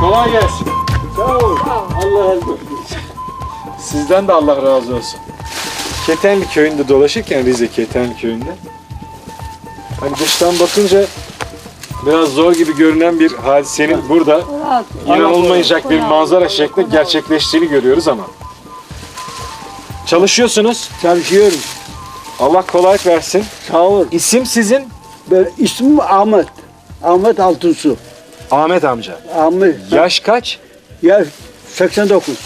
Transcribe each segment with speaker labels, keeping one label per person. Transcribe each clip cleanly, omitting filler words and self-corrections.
Speaker 1: Kolay gelsin.
Speaker 2: Sağ ol. Allah razı olsun.
Speaker 1: Sizden de Allah razı olsun. Ketenli köyünde dolaşırken Rize Ketenli köyünde hani dıştan bakınca biraz zor gibi görünen bir hadisenin burada inanılmayacak bir manzara şeklinde gerçekleştiğini görüyoruz ama çalışıyorsunuz.
Speaker 2: Çalışıyorum.
Speaker 1: Allah kolaylık versin.
Speaker 2: Sağ ol.
Speaker 1: İsim sizin?
Speaker 2: Ben, ismim Ahmet. Ahmet Altunsu.
Speaker 1: Ahmet amca.
Speaker 2: Ahmet.
Speaker 1: Yaş kaç?
Speaker 2: Yaş 89.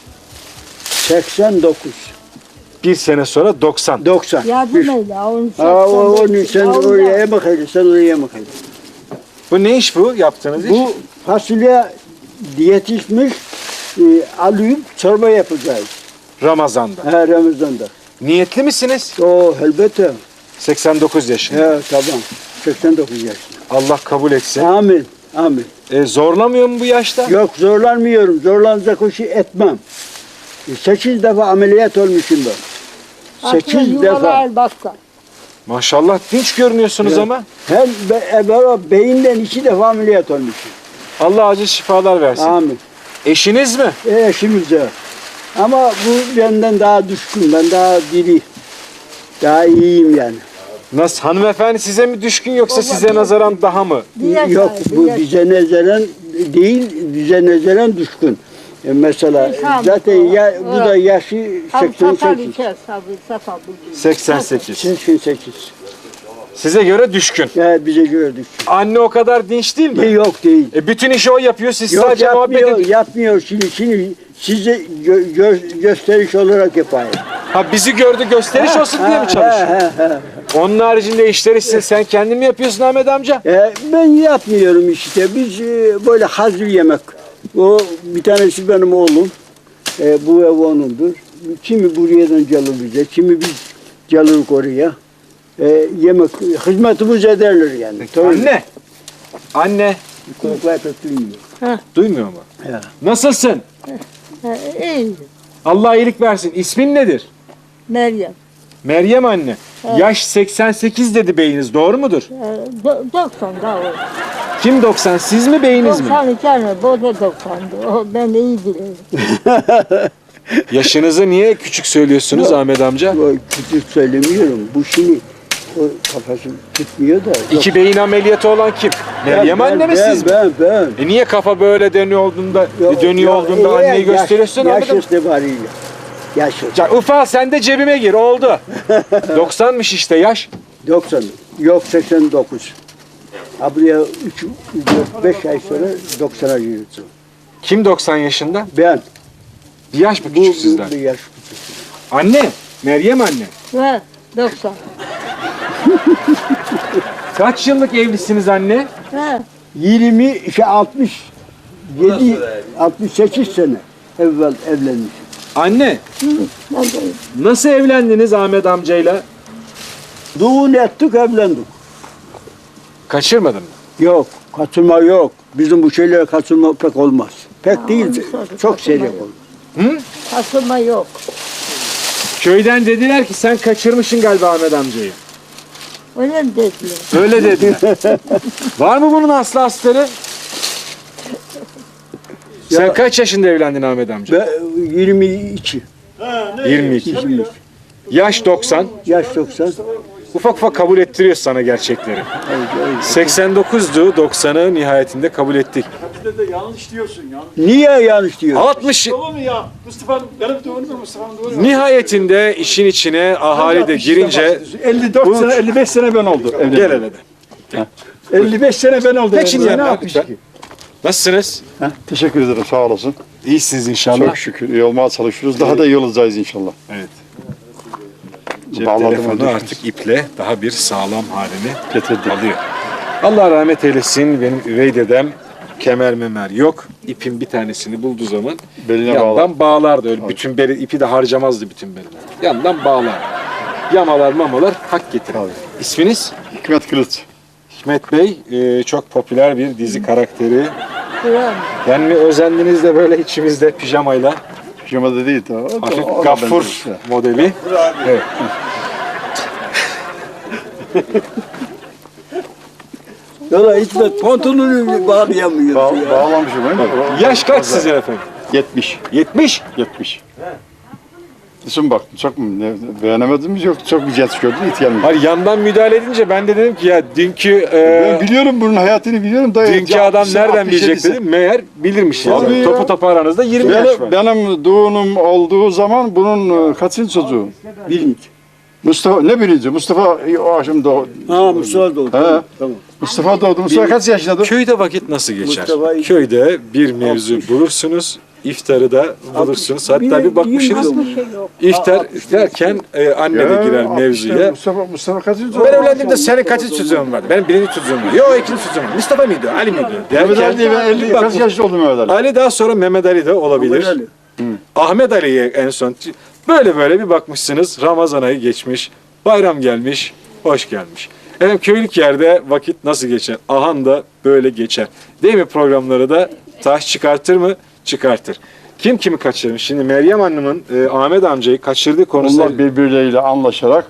Speaker 2: 89.
Speaker 1: Bir sene sonra 90.
Speaker 2: 90.
Speaker 3: Yardım eyle. Onu
Speaker 2: Onu sen oraya bak hele, sen oraya bak hele.
Speaker 1: Bu ne iş bu yaptığınız iş?
Speaker 2: Bu fasulye yetişmiş, alıp çorba yapacağız.
Speaker 1: Ramazan'da.
Speaker 2: Ha, Ramazan'da.
Speaker 1: Niyetli misiniz?
Speaker 2: O elbette.
Speaker 1: 89 yaşında.
Speaker 2: He, tamam. 89 yaşında.
Speaker 1: Allah kabul etsin.
Speaker 2: Amin. Amin.
Speaker 1: Zorlamıyor mu bu yaşta?
Speaker 2: Yok zorlanmıyorum. Zorlanacak o şey etmem. 8 defa ameliyat olmuşum ben. 8 defa.
Speaker 3: Baksa.
Speaker 1: Maşallah dinç görünüyorsunuz
Speaker 2: Evet.
Speaker 1: ama.
Speaker 2: Hem beyinden 2 defa ameliyat olmuşum.
Speaker 1: Allah acil şifalar versin.
Speaker 2: Amin.
Speaker 1: Eşiniz mi?
Speaker 2: Eşimiz de. Ama bu benden daha düşkün. Ben daha diri. Daha iyiyim yani.
Speaker 1: Nasıl? Hanımefendi size mi düşkün yoksa size nazaran daha mı?
Speaker 2: Yok bu bize nezeren değil, bize nezeren düşkün. Mesela zaten bu da yaşı 88.
Speaker 1: 88.
Speaker 2: 88.
Speaker 1: Size göre düşkün.
Speaker 2: Evet bize gördük.
Speaker 1: Anne o kadar dinç değil mi?
Speaker 2: Yok değil.
Speaker 1: Bütün işi o yapıyor. Siz
Speaker 2: Yok
Speaker 1: sadece muhabbet
Speaker 2: yapmıyor,
Speaker 1: edin.
Speaker 2: yapmıyor. Şimdi size gösteriş olarak yapayım.
Speaker 1: Ha bizi gördü gösteriş olsun diye mi çalışıyor? Onun haricinde işleri sen kendin mi yapıyorsun Ahmet amca?
Speaker 2: Ben yapmıyorum işte. Biz böyle hazır yemek. O bir tanesi benim oğlum. Bu ev onundur. Kimi buradan gelir bize, kimi biz geliriz oraya. Yemek, hizmetimiz ederler yani.
Speaker 1: Anne. Anne.
Speaker 2: Kulaklar pek duymuyor.
Speaker 1: Duymuyor mu?
Speaker 2: Ya.
Speaker 1: Nasılsın?
Speaker 3: İyi.
Speaker 1: Allah iyilik versin. İsmin nedir?
Speaker 3: Meryem.
Speaker 1: Meryem anne. Yaş 88 dedi beyiniz. Doğru mudur?
Speaker 3: 90 daha o.
Speaker 1: Kim 90? Siz mi beyiniz mi?
Speaker 3: 92 tane. Bu da 90'dı. O ben de iyi bilirim.
Speaker 1: Yaşınızı niye küçük söylüyorsunuz Ahmet amca?
Speaker 2: O küçük söylemiyorum. Bu şimdi o kafası tutmuyor da.
Speaker 1: İki beyin ameliyatı olan kim? Meryem anne mi siz mi?
Speaker 2: Ben.
Speaker 1: Niye kafa böyle dönüyor olduğunda anneyi gösteriyorsun Ahmet
Speaker 2: Yaş
Speaker 1: amca?
Speaker 2: itibariyle. Yaş.
Speaker 1: Ufal sen de cebime gir oldu. 90'mış işte yaş.
Speaker 2: 90. Yok 89. Buraya 5 ay sonra 90'a giriyorsun.
Speaker 1: Kim 90 yaşında?
Speaker 2: Ben.
Speaker 1: Bir yaş mı küçük sizden?
Speaker 2: Bir yaş küçük.
Speaker 1: Anne. Meryem anne.
Speaker 3: Ve 90.
Speaker 1: Kaç yıllık evlisiniz anne?
Speaker 3: He.
Speaker 2: 67, 68 sene evvel evlenmiş.
Speaker 1: Anne. Nasıl evlendiniz Ahmet amcayla?
Speaker 2: Düğün ettik evlendik.
Speaker 1: Kaçırmadın mı?
Speaker 2: Yok, kaçırma yok. Bizim bu şeylere kaçırma pek olmaz. Pek değil, çok seyrek olur.
Speaker 3: Kasılma yok.
Speaker 1: Köyden dediler ki sen kaçırmışsın galiba Ahmet amcayı.
Speaker 3: Öyle mi dediler?
Speaker 1: Öyle dediler. Var mı bunun aslı astarı? Sen
Speaker 2: Ya-
Speaker 1: kaç yaşında evlendin Ahmet amca?
Speaker 2: Ben 22,
Speaker 1: 22. Yaş 90.
Speaker 2: yaş 90.
Speaker 1: Ufak ufak kabul ettiriyor sana gerçekleri. 89'du 90'ı nihayetinde kabul ettik.
Speaker 4: Yanlış diyorsun ya.
Speaker 2: Niye yanlış diyor?
Speaker 1: 60
Speaker 4: Olur mu ya? Mustafa'nın benim doğru mu Mustafa'nın doğru mu?
Speaker 1: nihayetinde işin içine ahali de girince
Speaker 4: 54 sene 55 sene ben oldu.
Speaker 1: gel hele de.
Speaker 4: 55 sene ben oldu.
Speaker 1: Geçin
Speaker 4: evde.
Speaker 1: yanına lütfen. Nasılsınız?
Speaker 5: Heh, teşekkür ederim, sağ olasın.
Speaker 1: İyisiniz inşallah.
Speaker 5: Çok şükür iyi olmaya çalışıyoruz. Daha da iyi olacağız inşallah.
Speaker 1: Evet. Cep
Speaker 5: Bağladım
Speaker 1: telefonu
Speaker 5: onu.
Speaker 1: artık iple daha bir sağlam halini
Speaker 5: Getirdim.
Speaker 1: alıyor. Allah rahmet eylesin. Benim üvey dedem kemer memer yok. İpin bir tanesini bulduğu zaman
Speaker 5: Beline
Speaker 1: yandan bağlardı. Öyle bütün beli, ipi de harcamazdı bütün beline. Yandan bağlar. Yamalar mamalar hak getirir.
Speaker 5: Tabii.
Speaker 1: İsminiz?
Speaker 5: Hikmet Kılıç.
Speaker 1: Hikmet Bey çok popüler bir dizi karakteri.
Speaker 3: Kur'an.
Speaker 1: Yani mi özendiniz de böyle içimizde pijamayla
Speaker 5: Pijamada değil.
Speaker 1: hafif gaffur modeli. Evet.
Speaker 2: Yola İsmet pantolonu bağlayamıyor.
Speaker 5: Bağlamışım ben.
Speaker 1: Yaş kaç sizin efendim?
Speaker 5: 70.
Speaker 1: 70.
Speaker 5: 70. Düşün bak, çok mu beğenemedin mi? Yok, çok bir genç gördün, ihtiyarmış.
Speaker 1: Hani yandan müdahale edince ben de dedim ki ya dünkü
Speaker 5: Ben biliyorum bunun hayatını biliyorum da.
Speaker 1: dünkü adam nereden bilecek dedim. Meğer bilirmiş
Speaker 5: Tabii
Speaker 1: yani.
Speaker 5: ya.
Speaker 1: Topu topu aranızda 20 yaş var.
Speaker 5: Benim doğumum olduğu zaman bunun kaçıncı çocuğu?
Speaker 2: Bilinç.
Speaker 5: Mustafa, ne birinci? Mustafa o akşam doğdu.
Speaker 2: Ha Mustafa doğdu.
Speaker 5: He.
Speaker 2: Tamam.
Speaker 5: Mustafa doğdu. Mustafa kaç yaşındadır?
Speaker 1: Köyde vakit nasıl geçer?
Speaker 2: Mustafa-
Speaker 1: Köyde bir mevzu bulursunuz. İftarı da bulursunuz. Hatta bir bakmışsınız.
Speaker 3: Bir şey yok.
Speaker 1: İftar derken anne de girer mevzuya.
Speaker 5: Mustafa kaçıncı çocuğu?
Speaker 1: Ben evlendiğimde senin kaçıncı çocuğun vardı? Benim birinci çocuğum var. Yok ikinci çocuğum var. Mustafa mıydı? Ali miydi?
Speaker 5: Mehmet Ali diye ben 50
Speaker 1: bak,
Speaker 5: kaç yaşında oldum Mehmet Ali?
Speaker 1: Ali daha sonra Mehmet Ali de olabilir.
Speaker 2: Mehmet
Speaker 1: Ahmet Ali'ye en son. Böyle bir bakmışsınız. Ramazan ayı geçmiş. Bayram gelmiş. Hoş gelmiş. Efendim köylük yerde vakit nasıl geçer? Ahan da böyle geçer. Değil mi programları da taş çıkartır mı? Çıkartır. Kim kimi kaçırmış? Şimdi Meryem Hanım'ın Ahmet amcayı kaçırdığı konusu...
Speaker 5: Onlar birbirleriyle anlaşarak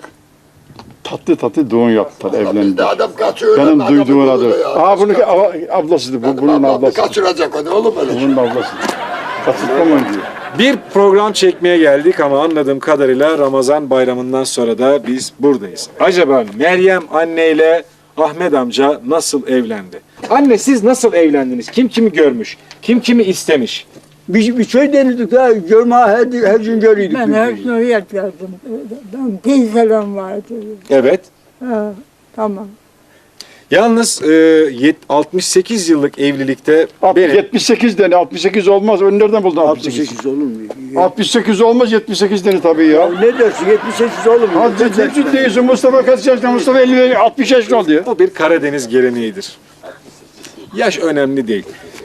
Speaker 5: tatlı düğün yaptılar, evlendiler.
Speaker 6: Adam kaçıyor.
Speaker 5: Benim
Speaker 6: adamı
Speaker 5: duyduğum adı.
Speaker 6: buluyor ya.
Speaker 5: Bunun ablasıydı, bunun
Speaker 6: Adamı
Speaker 5: ablası.
Speaker 6: kaçıracak onu oğlum öyle.
Speaker 5: Bunun ablası. Kaçırtmamayın diyor.
Speaker 1: Bir program çekmeye geldik ama anladığım kadarıyla Ramazan bayramından sonra da biz buradayız. Acaba Meryem anneyle Ahmet amca nasıl evlendi? Anne siz nasıl evlendiniz? Kim kimi görmüş? Kim kimi istemiş?
Speaker 2: Bir şey denirdik ha. Görme her gün görüyorduk.
Speaker 3: Ben her gün oraya geldim. Ben teyzelem vardı.
Speaker 1: Evet.
Speaker 3: Ha, tamam.
Speaker 1: Yalnız 68 yıllık evlilikte benim
Speaker 5: 78 deni, 68 olmaz. Onu nereden buldun 68?
Speaker 2: 68 olur mu?
Speaker 5: 68 olmaz, 78 deni tabii ya.
Speaker 2: Ne dersin 78 olur mu?
Speaker 5: Hadi ciddi değilsin. Mustafa kaç yaşında? Mustafa 50, 60 yaşında oldu ya.
Speaker 1: bu bir Karadeniz geleneğidir. Yaş önemli değil.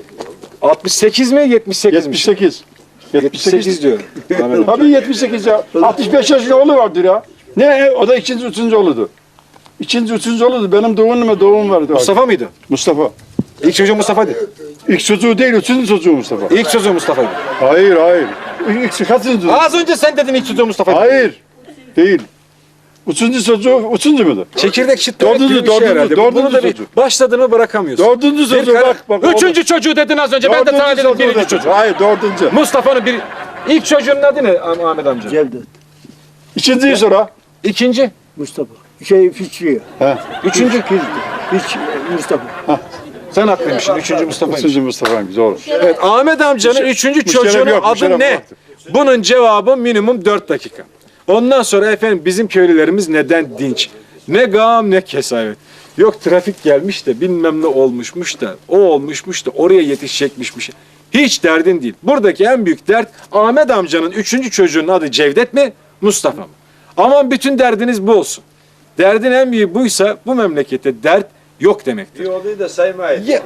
Speaker 1: 68 mi 78 mi?
Speaker 5: 78.
Speaker 1: 78 diyorum. Ahmet amca.
Speaker 5: Tabii 78 ya. 65 yaşında oğlu vardır ya. Ne? O da ikinci, üçüncü oğludu. İkinci, üçüncü oğludu. Benim doğum vardı.
Speaker 1: Mustafa mıydı?
Speaker 5: Mustafa.
Speaker 1: İlk çocuğu Mustafa'ydı.
Speaker 5: İlk çocuğu değil, üçüncü çocuğu Mustafa.
Speaker 1: İlk çocuğu Mustafa'ydı.
Speaker 5: Hayır, hayır. İlk kaçıncı?
Speaker 1: Az önce sen dedin ilk çocuğu Mustafa'ydı.
Speaker 5: Hayır. Değil. Üçüncü çocuğu, üçüncü müydü?
Speaker 1: Çekirdek şıt
Speaker 5: Dördüncü,
Speaker 1: gibi bir şey
Speaker 5: dördüncü,
Speaker 1: herhalde.
Speaker 5: dördüncü
Speaker 1: Bunu da bir
Speaker 5: çocuk.
Speaker 1: başladığını bırakamıyorsun.
Speaker 5: Dördüncü çocuğu bak.
Speaker 1: Üçüncü çocuğu dedin az önce. Ben de sana dedim birinci çocuk.
Speaker 5: Hayır, dördüncü.
Speaker 1: Mustafa'nın bir... İlk çocuğunun adı ne Ahmet amca?
Speaker 2: Cevdet.
Speaker 5: İkinciyi sonra.
Speaker 1: İkinci.
Speaker 2: Mustafa. Şey Fikriye.
Speaker 1: Üçüncü.
Speaker 2: Hiç Mustafa.
Speaker 1: Sen haklıymışsın. Üçüncü Mustafa'ymış.
Speaker 5: Üçüncü Mustafa'ymış, doğru.
Speaker 1: Evet, Ahmet amcanın üçüncü
Speaker 5: müşterek
Speaker 1: çocuğunun
Speaker 5: yok,
Speaker 1: adı
Speaker 5: müşterek
Speaker 1: ne?
Speaker 5: yoktu.
Speaker 1: Bunun cevabı minimum 4 dakika. Ondan sonra efendim bizim köylülerimiz neden dinç? Ne gam ne kesavet. Yok trafik gelmiş de bilmem ne olmuşmuş da o olmuşmuş da oraya yetişecekmişmiş. Hiç derdin değil. Buradaki en büyük dert Ahmet amcanın üçüncü çocuğunun adı Cevdet mi Mustafa mı? Aman bütün derdiniz bu olsun. Derdin en büyüğü buysa bu memlekette dert yok demektir.
Speaker 7: Bir olayı da saymayın.
Speaker 1: Ya-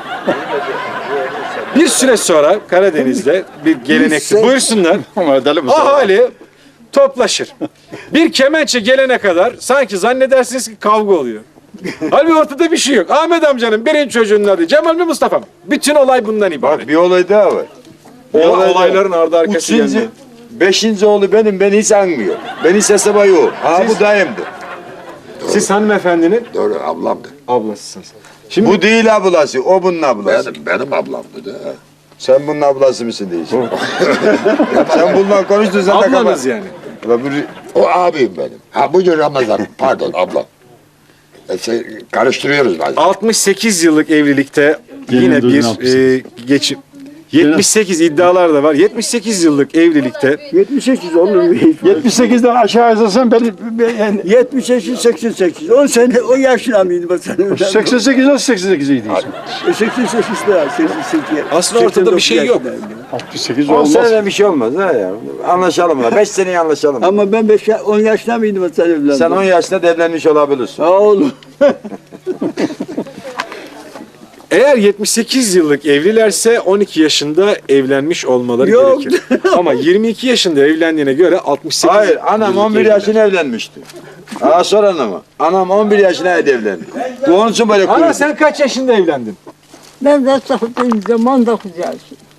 Speaker 1: Bir süre sonra Karadeniz'de bir gelenektir. Buyursunlar.
Speaker 5: Ama deli Mustafa.
Speaker 1: Ahali toplaşır. Bir kemençe gelene kadar sanki zannedersiniz ki kavga oluyor. Halbuki ortada bir şey yok. Ahmet amcanın birinci çocuğunun adı Cemal mi Mustafa mı? Bütün olay bundan ibaret.
Speaker 7: Bak bir olay daha var.
Speaker 1: Olayların ardı arkası
Speaker 7: Üçüncü,
Speaker 1: geldi.
Speaker 7: beşinci oğlu benim, beni hiç anmıyor. Beni hiç hesaba yok. Ha bu dayımdı.
Speaker 1: Siz hanımefendinin
Speaker 6: Doğru ablamdı.
Speaker 1: ablasısınız. Şimdi
Speaker 7: Bu değil ablası, o bunun ablası.
Speaker 6: Benim ablamdı da.
Speaker 7: Sen bunun ablası mısın değilsin. Sen bununla konuştun sen de
Speaker 1: ablanız
Speaker 7: kapat.
Speaker 1: yani.
Speaker 6: O abim benim. Ha bugün Ramazan. Pardon ablam. Karıştırıyoruz bazen.
Speaker 1: 68 yıllık evlilikte yine
Speaker 5: Gelin
Speaker 1: bir
Speaker 5: duyun
Speaker 1: geçim. 78 iddialar da var. 78 yıllık evlilikte
Speaker 2: 78 olur mu?
Speaker 5: 78'den aşağı yazarsan ben
Speaker 2: 78, 88. 10 sene o yaşına mıydı bu sene?
Speaker 5: 88 nasıl 88 idi?
Speaker 2: 88 daha 88.
Speaker 1: Aslında ortada bir şey yok.
Speaker 5: 68
Speaker 7: 10
Speaker 5: olmaz.
Speaker 7: senede bir şey olmaz ha ya. Anlaşalım la. 5 seneye anlaşalım.
Speaker 2: Ama ben 10 yaşına mıydım o sene evlendim?
Speaker 7: Sen 10 yaşında da evlenmiş olabilirsin.
Speaker 2: Ha oğlum.
Speaker 1: Eğer 78 yıllık evlilerse 12 yaşında evlenmiş olmaları
Speaker 2: Yok.
Speaker 1: gerekir. Ama 22 yaşında evlendiğine göre 68
Speaker 7: Hayır, anam
Speaker 1: yıllık
Speaker 7: 11
Speaker 1: evliler.
Speaker 7: yaşına evlenmişti. Aa sor anama. Anam 11 yaşına evlendi. Onun için böyle
Speaker 1: Ana
Speaker 7: kuyruk.
Speaker 1: sen kaç yaşında evlendin?
Speaker 3: Ben de sattığım zaman 19 yaşım.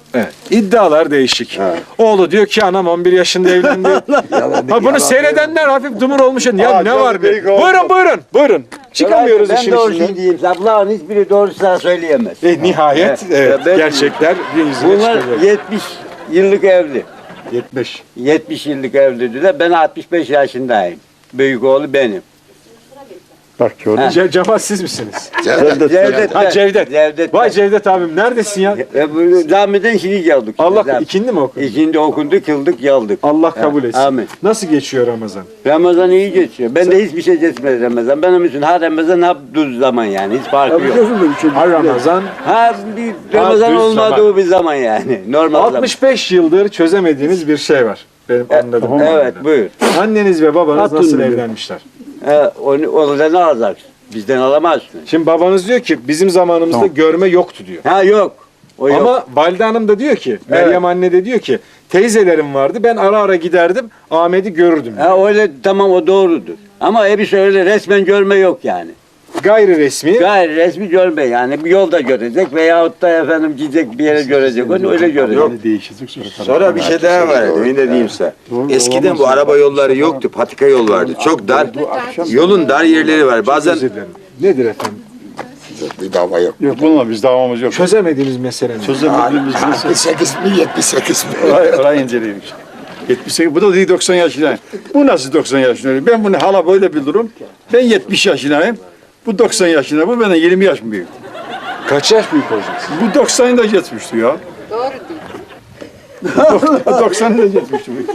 Speaker 1: Evet. İddialar değişik. Oğlu diyor ki anam 11 yaşında evlendi. Ha bunu seyredenler hafif dumur olmuş. Ya ne var be? Buyurun. Çıkamıyoruz
Speaker 2: ben
Speaker 1: işin
Speaker 2: doğrusunu
Speaker 1: içinden.
Speaker 2: diyeyim. Bunların hiçbiri doğrusunu söyleyemez.
Speaker 1: Nihayet evet,
Speaker 2: ben-
Speaker 1: gerçekler gün yüzüne
Speaker 2: Bunlar
Speaker 1: çıkıyor.
Speaker 2: 70 yıllık evli.
Speaker 1: 70.
Speaker 2: 70 yıllık evlidirler. Ben 65 yaşındayım. Büyük oğlu benim.
Speaker 5: Bak gördün mü?
Speaker 1: Cemal siz misiniz?
Speaker 2: Cevdet.
Speaker 1: Ha Cevdet.
Speaker 2: Cevdet.
Speaker 1: Vay Cevdet abim neredesin ya?
Speaker 2: Bu camiden şimdi geldik.
Speaker 1: Allah ikindi mi okudun?
Speaker 2: İkindi okundu, kıldık, geldik.
Speaker 1: Allah kabul etsin.
Speaker 2: Amin.
Speaker 1: Nasıl geçiyor Ramazan?
Speaker 2: Ramazan iyi geçiyor. Ben de hiçbir şey geçmez Ramazan. Benim için ha Ramazan ha düz zaman yani. Hiç farkı yok.
Speaker 1: Ha Ramazan
Speaker 2: Ha bir Ramazan
Speaker 1: düz
Speaker 2: olmadığı
Speaker 1: zaman.
Speaker 2: bir zaman yani. Normal
Speaker 1: 65 yıldır çözemediğiniz bir şey var. Benim anladığım
Speaker 2: zaman. Evet buyur.
Speaker 1: Anneniz ve babanız nasıl evlenmişler?
Speaker 2: Onu ne alacaksın? Bizden alamazsın.
Speaker 1: Şimdi babanız diyor ki bizim zamanımızda görme yoktu diyor.
Speaker 2: Ha yok. O yok.
Speaker 1: Ama Valide Hanım da diyor ki, Meryem anne de diyor ki teyzelerim vardı ben ara giderdim Ahmet'i görürdüm.
Speaker 2: Ha öyle tamam o doğrudur. Ama hepsi öyle resmen görme yok yani.
Speaker 1: Gayri resmi.
Speaker 2: Gayri resmi görme yani bir yolda görecek veyahut da efendim gidecek bir yere görecek onu öyle görecek.
Speaker 5: Değişecek
Speaker 7: Sonra bir şey daha var. Ne diyeyim size. Eskiden bu araba yolları yoktu. Patika yol vardı. Çok dar. Yolun dar yerleri var. Bazen
Speaker 1: Özür dilerim. Nedir efendim?
Speaker 6: Bir dava yok.
Speaker 5: Yok bununla biz davamız yok.
Speaker 1: Çözemediğimiz mesele ne?
Speaker 5: Çözemediğimiz mesele.
Speaker 6: 68 mi 78 mi?
Speaker 5: Orayı inceleyelim. 78, bu da değil 90 yaşındayım. Bu nasıl 90 yaşındayım? Ben bunu hala böyle bilirim. Ben 70 yaşındayım. Bu 90 yaşında, bu benden 20 yaş mı büyük?
Speaker 1: Kaç yaş büyük olacaksın?
Speaker 5: Bu 90'ı da geçmişti ya. Doğru değil. 90'ı da geçmişti bu.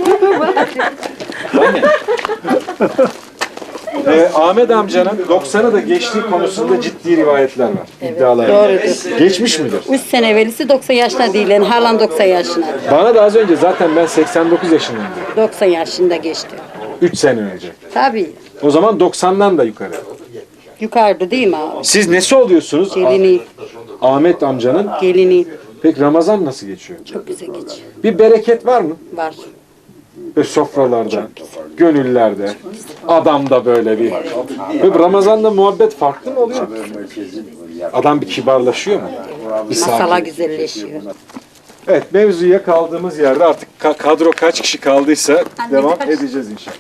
Speaker 1: Ahmet amcanın 90'ı da geçtiği konusunda ciddi rivayetler var. İddialar var.
Speaker 8: Doğrudur.
Speaker 1: Geçmiş midir?
Speaker 8: 3 sene evvelisi 90 yaşında değil. Yani halen 90 yaşında.
Speaker 1: Bana da az önce zaten ben 89 yaşındayım diyor.
Speaker 8: 90 yaşında geçti.
Speaker 1: 3 sene önce.
Speaker 8: Tabii.
Speaker 1: O zaman 90'dan da yukarı.
Speaker 8: Yukarıda değil mi abi?
Speaker 1: Siz nesi oluyorsunuz?
Speaker 8: Gelini,
Speaker 1: Ahmet amcanın.
Speaker 8: gelini.
Speaker 1: Peki Ramazan nasıl geçiyor?
Speaker 8: Çok güzel geçiyor.
Speaker 1: Bir bereket var mı?
Speaker 8: Var.
Speaker 1: Ve sofralarda, gönüllerde, adamda böyle bir. Ve Ramazan'da muhabbet farklı mı oluyor? Adam bir kibarlaşıyor mu? Bir
Speaker 8: Masala
Speaker 1: sakin.
Speaker 8: güzelleşiyor.
Speaker 1: Evet, mevzuya kaldığımız yerde artık kadro kaç kişi kaldıysa devam edeceğiz inşallah.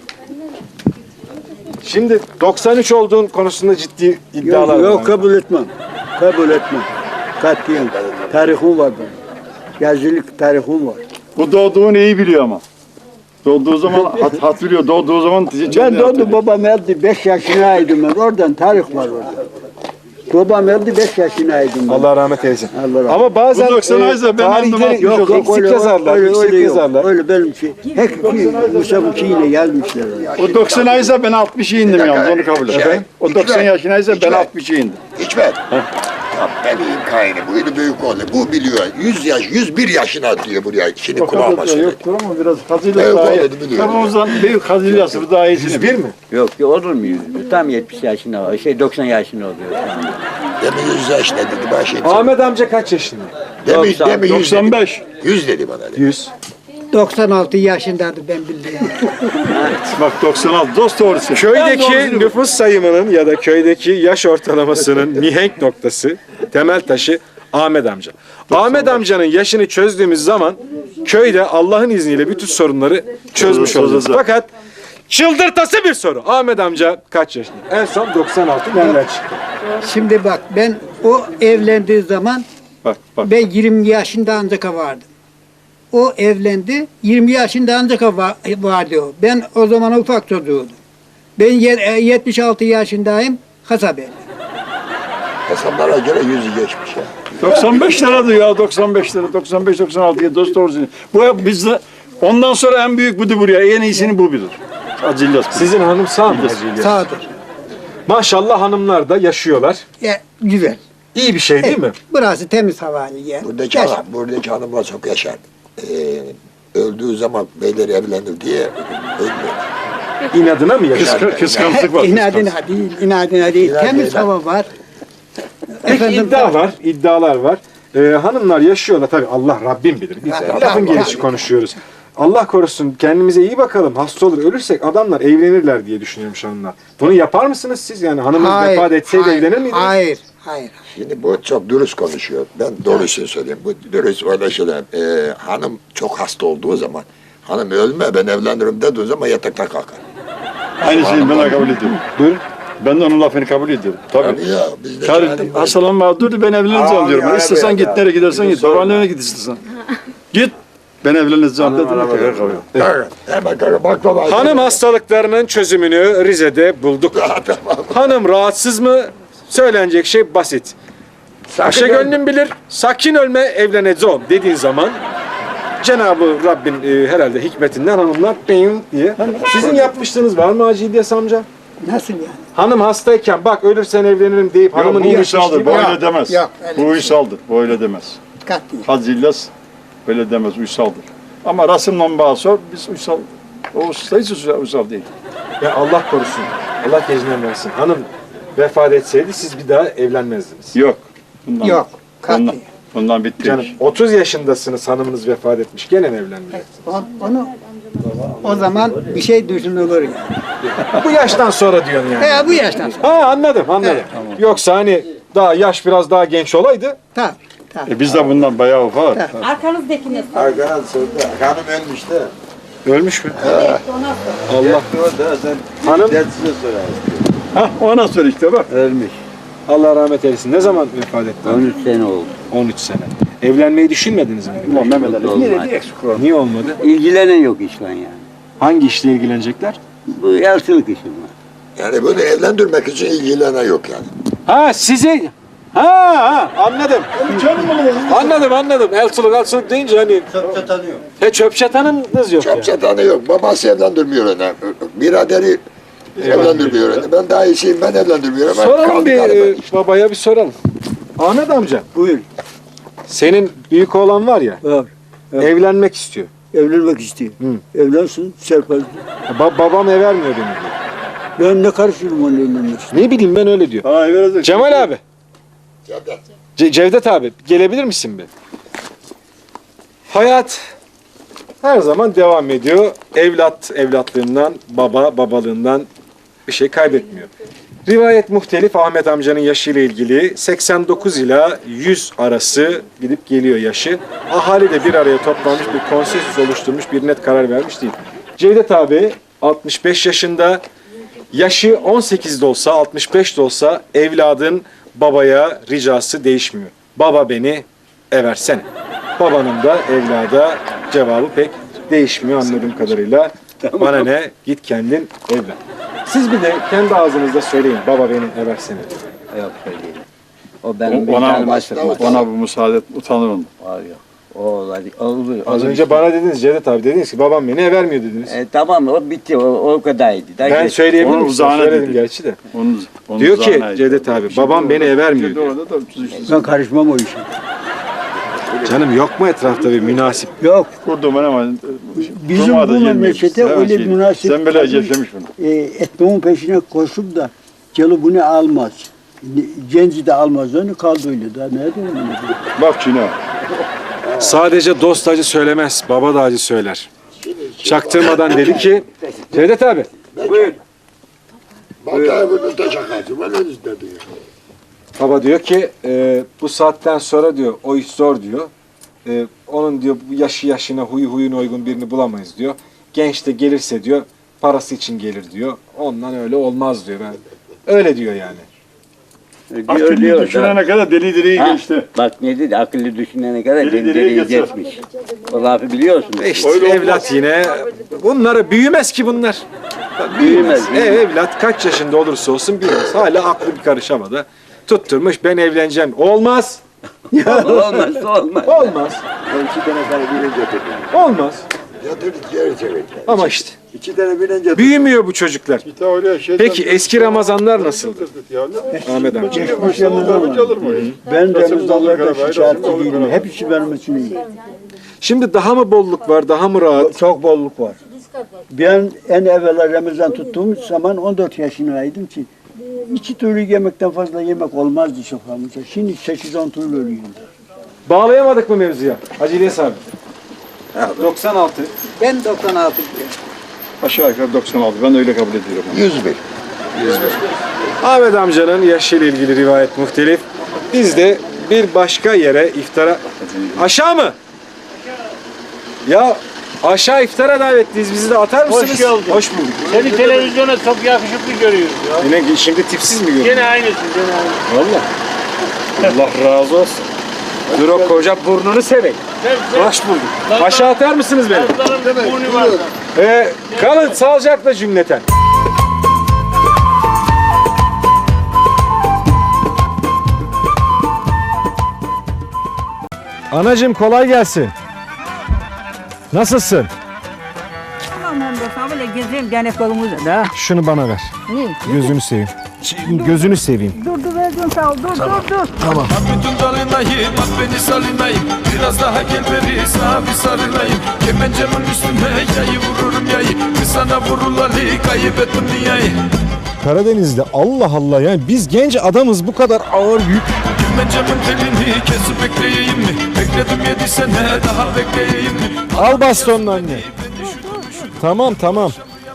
Speaker 1: Şimdi 93 olduğun konusunda ciddi iddialar var.
Speaker 2: Yok kabul etmem. Kabul etmem. Katiyen. Tarihim var benim. Yazılık tarihim var.
Speaker 5: Bu doğduğunu iyi biliyor ama. Doğduğu zaman hatırlıyor. Doğduğu zaman
Speaker 2: Ben doğdum babam öldü 5 yaşındaydım ben. Oradan tarih var orada. Babam öldü 5 yaşındaydım ben.
Speaker 1: Allah rahmet eylesin.
Speaker 2: Allah rahmet.
Speaker 1: Ama bazen
Speaker 5: Bu 90 aysa ben
Speaker 1: tarihleri
Speaker 5: anlamak
Speaker 2: Yok yok
Speaker 1: eksik
Speaker 2: öyle,
Speaker 1: yazarlar,
Speaker 2: öyle,
Speaker 1: eksik
Speaker 2: öyle yok.
Speaker 1: yazarlar.
Speaker 2: Öyle benim şey. Hep Musab'ınkiyle yazmışlar.
Speaker 5: O 90 aysa ben 60'a indim yalnız onu kabul et.
Speaker 6: Efendim?
Speaker 5: O 90 yaşındaysa ben
Speaker 6: İçme.
Speaker 5: 60'a indim.
Speaker 6: İçmez. Ya benim kaynım buydu büyük oldu. Bu biliyor. 101 yaşına diyor buraya. Şimdi
Speaker 5: O
Speaker 6: kulağıma
Speaker 5: kadar da
Speaker 6: söyledi.
Speaker 5: yoktur ama biraz hazırlık
Speaker 6: Evet,
Speaker 5: daha iyi.
Speaker 6: onu biliyorum.
Speaker 5: Kafamızdan büyük hazırlık bu daha iyisini.
Speaker 1: 101 mi?
Speaker 2: Yok olur mu 100? Tam 70 yaşında var. 90 yaşında oluyor.
Speaker 6: Demin 100 yaşında dedi. Ben şey
Speaker 1: Ahmet amca kaç yaşında?
Speaker 6: Demin 100 dedi.
Speaker 5: 95.
Speaker 6: 100 dedi bana. Dedi.
Speaker 1: 100.
Speaker 3: 96 yaşındaydı ben bildiğim.
Speaker 5: Bak 96 dost doğrusu.
Speaker 1: Köydeki nüfus sayımının ya da köydeki yaş ortalamasının mihenk noktası, temel taşı Ahmet amca. Ahmet amcanın yaşını çözdüğümüz zaman köyde Allah'ın izniyle bütün sorunları çözmüş olacağız. Fakat çıldırtası bir soru. Ahmet amca kaç yaşında? En son 96 nereden çıktı?
Speaker 3: Şimdi bak ben o evlendiği zaman
Speaker 5: Bak bak.
Speaker 3: ben 20 yaşında ancak vardım. O evlendi 20 yaşında ancak vardı o. Ben o zaman ufak çocuğuydum. Ben 76 yaşındayım Hasabe.
Speaker 6: Hesaplara göre 100'ü geçmiş ya.
Speaker 5: 95 lira diyor ya 95 lira 95-96'ya dost doğrusu. Bu bizde ondan sonra en büyük budur buraya en iyisini bu bilir. Acillas.
Speaker 1: Sizin hanım sağ mı? Hacı İlyas?
Speaker 3: Sağdır.
Speaker 1: Maşallah hanımlar da yaşıyorlar.
Speaker 3: Güzel.
Speaker 1: İyi bir şey değil mi?
Speaker 3: Burası temiz havalı yer.
Speaker 6: Buradaki hanımlar çok yaşar. Öldüğü zaman beyleri evlenir diye ölmüyor.
Speaker 1: İnadına mı yaşar?
Speaker 5: Kıskançlık var.
Speaker 3: İnadına değil, inadına değil. Temiz hava var.
Speaker 1: Peki iddia var, iddialar var. Hanımlar yaşıyorlar tabii Allah Rabbim bilir. Biz lafın gelişi konuşuyoruz. Allah korusun kendimize iyi bakalım. Hasta olur ölürsek adamlar evlenirler diye düşünüyormuş hanımlar. Bunu yapar mısınız siz? Yani hanımınız vefat etseydi evlenir miydiniz?
Speaker 3: Hayır, Hayır.
Speaker 6: Şimdi bu çok dürüst konuşuyor. Ben doğrusunu söyleyeyim. Bu dürüst öyle şeyler. Hanım çok hasta olduğu zaman, hanım ölme ben evlenirim dediği zaman yatakta kalkar.
Speaker 5: Aynı şeyi ben de kabul ediyorum.
Speaker 1: Buyurun.
Speaker 5: Ben de onun lafını kabul ediyorum. Tabii.
Speaker 6: Tabii ya bizde
Speaker 5: Karı
Speaker 6: yani-
Speaker 5: hastalanma dur ben evleneceğim
Speaker 6: Aa,
Speaker 5: diyorum.
Speaker 6: ya,
Speaker 5: İstesen
Speaker 6: evet,
Speaker 5: git
Speaker 6: ya.
Speaker 5: nereye gidersen git. Babaannene git istersen. Git. Ben evleneceğim dedim. Tekrar kabul.
Speaker 6: Evet, hemen kalkar. Bak baba.
Speaker 1: Hanım hastalıklarının çözümünü Rize'de bulduk.
Speaker 6: Tamam.
Speaker 1: Hanım rahatsız mı? Söylenecek şey basit. Paşa gönlüm bilir, sakin ölme evleneceğim dediğin zaman Cenab-ı Rabbin herhalde hikmetinden hanımlar bing diye. Sizin yapmışlığınız var mı Hacı İlyas amca?
Speaker 3: Nasıl yani?
Speaker 1: Hanım hastayken bak ölürsen evlenirim deyip hanımın
Speaker 5: Bu
Speaker 1: iyileşmişliği
Speaker 5: uysaldır. Bu
Speaker 1: var.
Speaker 5: öyle demez.
Speaker 3: yok, öyle
Speaker 5: Bu uysaldır. Bu öyle demez.
Speaker 3: Katli.
Speaker 5: Hacı İlyas böyle demez. Uysaldır. Ama Rasım'la bağ sor. Biz uysal. O usta hiç uysal değil.
Speaker 1: Ya Allah korusun. Allah gecinden versin. Hanım vefat etseydi siz bir daha evlenmezdiniz.
Speaker 5: Yok. Bundan,
Speaker 3: Yok.
Speaker 5: Bundan,
Speaker 3: Katli.
Speaker 5: bundan bitti.
Speaker 1: Canım 30 yaşındasınız hanımınız vefat etmiş gene mi evlenmeyeceksiniz?
Speaker 3: Onu o zaman bir şey düşünülür yani.
Speaker 1: Bu yaştan sonra diyorsun yani.
Speaker 3: Bu yaştan sonra.
Speaker 1: Ha anladım. Yoksa hani daha yaş biraz daha genç olaydı.
Speaker 3: Tabii. Tabii.
Speaker 5: Biz de bundan bayağı ufak.
Speaker 8: Arkanızdakine sor.
Speaker 7: Arkadan sordu. Hanım ölmüş de.
Speaker 1: Ölmüş mü?
Speaker 8: Evet, ona sor.
Speaker 1: Allah.
Speaker 7: O da sen
Speaker 1: Hanım
Speaker 7: dersize sorar.
Speaker 5: Hah ona sor işte bak.
Speaker 2: Ölmüş.
Speaker 1: Allah rahmet eylesin. Ne zaman vefat etti?
Speaker 2: 13 sene oldu.
Speaker 1: 13 sene. Evlenmeyi düşünmediniz mi?
Speaker 5: Ulan Mehmet Ali yine
Speaker 2: Olmaz.
Speaker 5: de eksik var.
Speaker 1: Niye olmadı?
Speaker 2: İlgilenen yok işle yani.
Speaker 1: Hangi işle ilgilenecekler?
Speaker 2: Bu yaşlılık işi var.
Speaker 6: Yani böyle evlendirmek için ilgilenen yok yani.
Speaker 1: Ha sizi... Ha anladım. Anladım. Elçılık deyince hani...
Speaker 2: Çöpçe tanıyor.
Speaker 1: Çöp çatanınız yok
Speaker 6: Çok çatanı yok. Babası evlendirmiyor onu. Biraderi evlendirmiyor onu. Ben daha iyisiyim ben evlendirmiyorum.
Speaker 1: Soralım bir babaya bir soralım. Ahmet amca.
Speaker 2: Buyur.
Speaker 1: Senin büyük oğlan var ya.
Speaker 2: Var.
Speaker 1: Evlenmek istiyor.
Speaker 2: Evlenmek istiyor.
Speaker 1: Hı.
Speaker 2: Evlensin, serpil.
Speaker 1: Babam ev vermiyor beni diyor.
Speaker 2: Ben ne karışırım onun evlenmesine?
Speaker 1: Ne bileyim ben öyle diyor.
Speaker 5: Ha verecek.
Speaker 1: Cemal abi. Cevdet abi gelebilir misin bir? Hayat her zaman devam ediyor. Evlat evlatlığından, baba babalığından bir şey kaybetmiyor. Rivayet muhtelif Ahmet amcanın yaşıyla ilgili 89 ila 100 arası gidip geliyor yaşı. Ahali de bir araya toplanmış bir konsensüs oluşturmuş bir net karar vermiş değil. Cevdet abi 65 yaşında yaşı 18'de olsa 65 de olsa evladın babaya ricası değişmiyor. Baba beni eversene. Babanın da evlada cevabı pek değişmiyor anladığım kadarıyla. Bana ne git kendin evlen. Siz bir de kendi ağzınızda söyleyin baba beni eversene.
Speaker 2: Yok söyleyeyim. O benim bir
Speaker 5: Ona bu müsaade et, utanır onu.
Speaker 2: Var yok. O olur.
Speaker 1: Az önce bana dediniz Cevdet abi dediniz ki babam beni vermiyor dediniz.
Speaker 2: Tamam o bitti. O kadardı.
Speaker 1: Ben söyleyebilir
Speaker 5: Onun
Speaker 1: miyim?
Speaker 5: uzağına
Speaker 1: Söyledim
Speaker 5: dedi.
Speaker 1: gerçi de.
Speaker 5: Onun
Speaker 1: Diyor ki
Speaker 5: uzağına-
Speaker 1: Cevdet abi babam beni vermiyor diyor.
Speaker 5: Orada da
Speaker 2: Ben karışmam o işe.
Speaker 1: Canım yok mu etrafta bir münasip?
Speaker 2: Yok.
Speaker 5: kurdum ama
Speaker 2: Bizim
Speaker 5: durmadı,
Speaker 2: bu
Speaker 5: gelmiyor.
Speaker 2: memlekete
Speaker 5: Sen
Speaker 2: öyle
Speaker 5: şey-
Speaker 2: bir münasip
Speaker 5: Sen böyle
Speaker 2: kalmış.
Speaker 5: yaşamış bunu.
Speaker 2: Etmemin peşine koşup da gelu bunu almaz. Genci de almaz onu kaldı öyle. Daha ne diyeyim?
Speaker 5: Bak Çin'e.
Speaker 1: Sadece dost acı söylemez, baba da acı söyler. Çaktırmadan dedi ki, Cevdet abi,
Speaker 6: Bak bunu da çakarsın. Ben öyle dedi.
Speaker 1: baba diyor ki bu saatten sonra diyor o iş zor diyor. Onun diyor bu yaşı yaşına huyu huyuna uygun birini bulamayız diyor. Genç de gelirse diyor parası için gelir diyor. Ondan öyle olmaz diyor. Ben öyle diyor yani.
Speaker 5: Akıllı düşünene kadar deli deliyi geçti.
Speaker 2: Bak ne dedi? Akıllı düşünene kadar
Speaker 5: Deli
Speaker 2: deli
Speaker 5: deliyi
Speaker 2: deli
Speaker 5: geçer.
Speaker 2: geçmiş. O lafı biliyorsun.
Speaker 1: İşte
Speaker 5: Öyle olmaz.
Speaker 1: evlat yine bunları büyümez ki bunlar. Büyümez. Evlat kaç yaşında olursa olsun büyümez. Hala aklı bir karış havada. Tutturmuş ben evleneceğim. Olmaz.
Speaker 2: Olmaz, olmaz.
Speaker 1: Olmaz.
Speaker 7: Ben 2 tane karı bile getirdim.
Speaker 1: Olmaz.
Speaker 6: Yatır geri çevir.
Speaker 1: Ama işte
Speaker 7: 2 tane bile getirdim.
Speaker 1: büyümüyor bu çocuklar.
Speaker 5: Bir de öyle şeyden-
Speaker 1: Peki eski Ramazanlar nasıl?
Speaker 5: Ya ne-
Speaker 1: Ahmet amca.
Speaker 2: Geçmiş yanında var.
Speaker 5: Olur mu?
Speaker 2: Ben
Speaker 5: Kasım'da
Speaker 2: Ramazanlarda
Speaker 5: olur,
Speaker 2: şikayetçi
Speaker 5: olur,
Speaker 2: değilim.
Speaker 5: olur.
Speaker 2: Hepsi benim için iyi.
Speaker 1: Şimdi daha mı bolluk var, daha mı rahat?
Speaker 2: Çok bolluk var. Ben en evvela Ramazan tuttuğum zaman 14 yaşındaydım ki 2 türlü yemekten fazla yemek olmazdı soframızda. Şimdi 8-10 türlü ölüyorum.
Speaker 1: Bağlayamadık mı mevzuya? Hacı İlyas abi. 96.
Speaker 3: Ben 96 diyorum.
Speaker 5: Aşağı yukarı 96. Ben de öyle kabul ediyorum.
Speaker 6: 101.
Speaker 1: Ahmet amcanın yaşıyla ilgili rivayet muhtelif. Biz de bir başka yere iftara... Aşağı mı? Ya aşağı iftara davetliyiz. Bizi de atar mısınız?
Speaker 9: Hoş geldin.
Speaker 1: Hoş bulduk.
Speaker 9: Seni televizyona çok yakışıklı görüyoruz ya.
Speaker 1: Yine şimdi tipsiz mi görüyorsun?
Speaker 9: Gene aynısın, gene aynısın.
Speaker 1: Valla. Allah razı olsun. Dur o koca burnunu seveyim. Hoş bulduk. Aşağı atar mısınız beni?
Speaker 9: Kızların burnu var.
Speaker 1: Kalın sağlıcakla cümleten. Anacığım kolay gelsin. Nasılsın?
Speaker 8: Tamam ben de sana böyle gezeyim gene kolumuza da.
Speaker 1: Şunu bana ver.
Speaker 8: Ne?
Speaker 1: Gözünü seveyim. Gözünü seveyim.
Speaker 8: Dur verdim sağ ol. Dur.
Speaker 10: Bütün dalinayım, at beni salinayım. Biraz daha gel beri sana bir sarılayım. Kemencemin üstüne yayı vururum yayı. Kız sana vurulalı kaybettim dünyayı.
Speaker 1: Karadeniz'de Allah Allah yani biz genç adamız bu kadar ağır yük.
Speaker 10: Kemencemin telini kesip bekleyeyim mi? Bekledim 7 sene daha bekleyeyim mi?
Speaker 1: Al bastonunu anne. Tamam.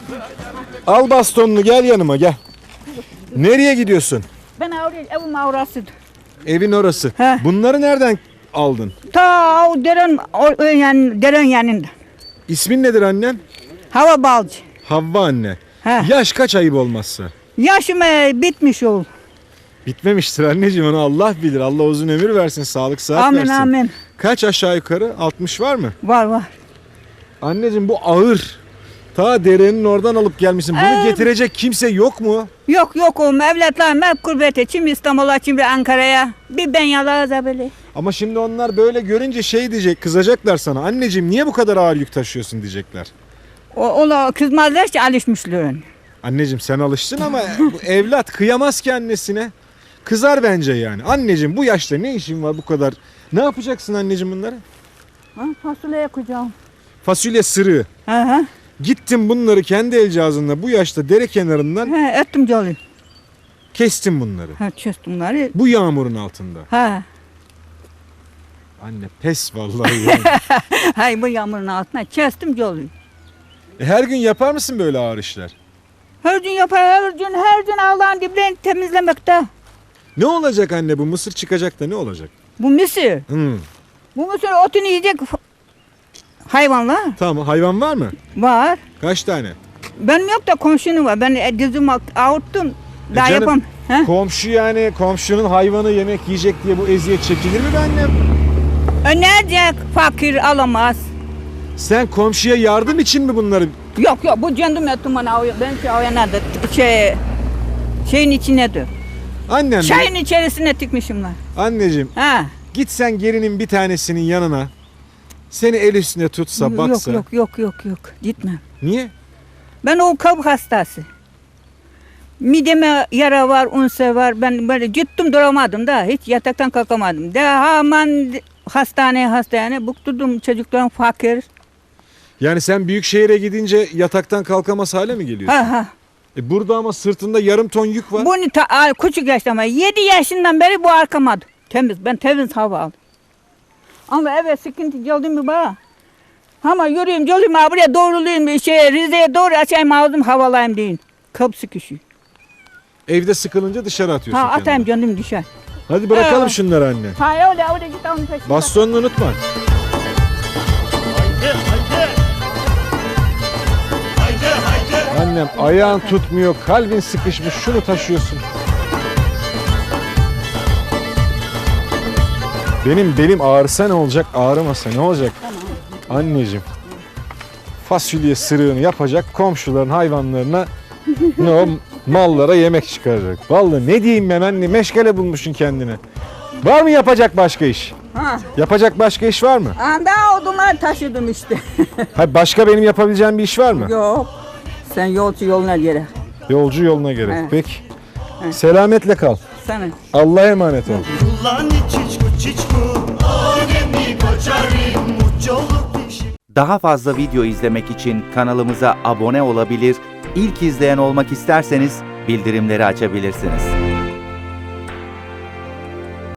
Speaker 1: Al bastonunu gel yanıma gel. Nereye gidiyorsun?
Speaker 8: Ben evim avrasıdır.
Speaker 1: Evin orası.
Speaker 8: He.
Speaker 1: Bunları nereden aldın?
Speaker 8: Ta o deren yanında.
Speaker 1: İsmin nedir annem?
Speaker 8: Hava balcı.
Speaker 1: Havva anne.
Speaker 8: He.
Speaker 1: Yaş kaç ayıp olmazsa?
Speaker 8: Yaşım bitmiş ol.
Speaker 1: Bitmemiştir anneciğim onu Allah bilir. Allah uzun ömür versin, sağlık sıhhat
Speaker 8: Amin
Speaker 1: versin.
Speaker 8: amin.
Speaker 1: Kaç aşağı yukarı? 60 var mı?
Speaker 8: Var.
Speaker 1: Anneciğim bu ağır. Ta derenin oradan alıp gelmişsin. Bunu getirecek kimse yok mu?
Speaker 8: Yok oğlum evlatlarım hep gurbete. Kim İstanbul'a kim Ankara'ya. Bir ben yalarız böyle.
Speaker 1: Ama şimdi onlar böyle görünce şey diyecek, kızacaklar sana. Anneciğim niye bu kadar ağır yük taşıyorsun diyecekler.
Speaker 8: Ola kızmazlar ki alışmışlar.
Speaker 1: Anneciğim sen alıştın ama bu evlat kıyamaz ki annesine. Kızar bence yani. Anneciğim bu yaşta ne işin var bu kadar? Ne yapacaksın anneciğim bunları?
Speaker 8: Ha, fasulye koyacağım.
Speaker 1: Fasulye sırığı.
Speaker 8: Aha.
Speaker 1: Gittim bunları kendi el cihazınla bu yaşta dere kenarından
Speaker 8: Ha, ettim canım.
Speaker 1: kestim bunları.
Speaker 8: Ha, çözdüm bunları.
Speaker 1: Bu yağmurun altında.
Speaker 8: Ha.
Speaker 1: Anne pes vallahi yani.
Speaker 8: Hay bu yağmurun altına kestim canım.
Speaker 1: Her gün yapar mısın böyle ağır işler?
Speaker 8: Her gün yapar, her gün Allah'ın diblerini temizlemekte.
Speaker 1: Ne olacak anne bu mısır çıkacak da ne olacak?
Speaker 8: Bu mısır. Bu mısır otunu yiyecek hayvanlar
Speaker 1: Tamam hayvan var mı?
Speaker 8: var.
Speaker 1: Kaç tane?
Speaker 8: Benim yok da komşunun var. Ben dizimi avuttum. Daha
Speaker 1: canım,
Speaker 8: yapam. Ha?
Speaker 1: Komşu yani komşunun hayvanı yemek yiyecek diye bu eziyet çekilir mi be annem?
Speaker 8: Önercek fakir alamaz.
Speaker 1: Sen komşuya yardım için mi bunları?
Speaker 8: Yok bu kendim ettim bana. Ben oynadı. Şeyin içindedir.
Speaker 1: Annem
Speaker 8: Çayın içerisine tıkmışım lan.
Speaker 1: anneciğim
Speaker 8: Ha.
Speaker 1: git sen gelinin bir tanesinin yanına. Seni el üstüne tutsa baksa.
Speaker 8: Yok. Gitmem.
Speaker 1: Niye?
Speaker 8: Ben o kalp hastası. Mideme yara var, unse var. Ben böyle gittim duramadım da. Hiç yataktan kalkamadım. Hemen hastaneye bukturdum çocuklarım fakir.
Speaker 1: Yani sen büyük şehire gidince yataktan kalkamaz hale mi geliyorsun?
Speaker 8: Ha.
Speaker 1: Burada ama sırtında yarım ton yük var.
Speaker 8: Bunu küçük yaşta ama 7 yaşından beri bu arkamadı. Ben temiz hava aldım. Ama evet sıkıntı geldi mi bana? Ama yürüyeyim buraya doğrulayayım Rize'ye doğru açayım ağzım havalayayım deyin. Kalp sıkışı.
Speaker 1: Evde sıkılınca dışarı atıyorsun
Speaker 8: Ha atayım canım düşer.
Speaker 1: Hadi bırakalım şunları anne.
Speaker 8: Ha öyle git onun peşinden.
Speaker 1: Bastonunu unutma. Annem ayağın tutmuyor, kalbin sıkışmış, şunu taşıyorsun. Benim belim ağrısa ne olacak, ağrımasa ne olacak? Anneciğim, fasulye sırığını yapacak, komşuların hayvanlarına ne o mallara yemek çıkaracak. Vallahi ne diyeyim ben anne, meşgale bulmuşsun kendine. Var mı yapacak başka iş?
Speaker 8: Ha.
Speaker 1: Yapacak başka iş var mı?
Speaker 8: Daha odunlar taşıdım işte.
Speaker 1: Hayır, başka benim yapabileceğim bir iş var mı?
Speaker 8: Yok. Sen yolcu yoluna göre.
Speaker 1: Yolcu yoluna göre.
Speaker 8: Evet.
Speaker 1: Peki. Selametle kal.
Speaker 8: Sana.
Speaker 1: Allah'a emanet ol.
Speaker 11: Daha fazla video izlemek için kanalımıza abone olabilir, ilk izleyen olmak isterseniz bildirimleri açabilirsiniz.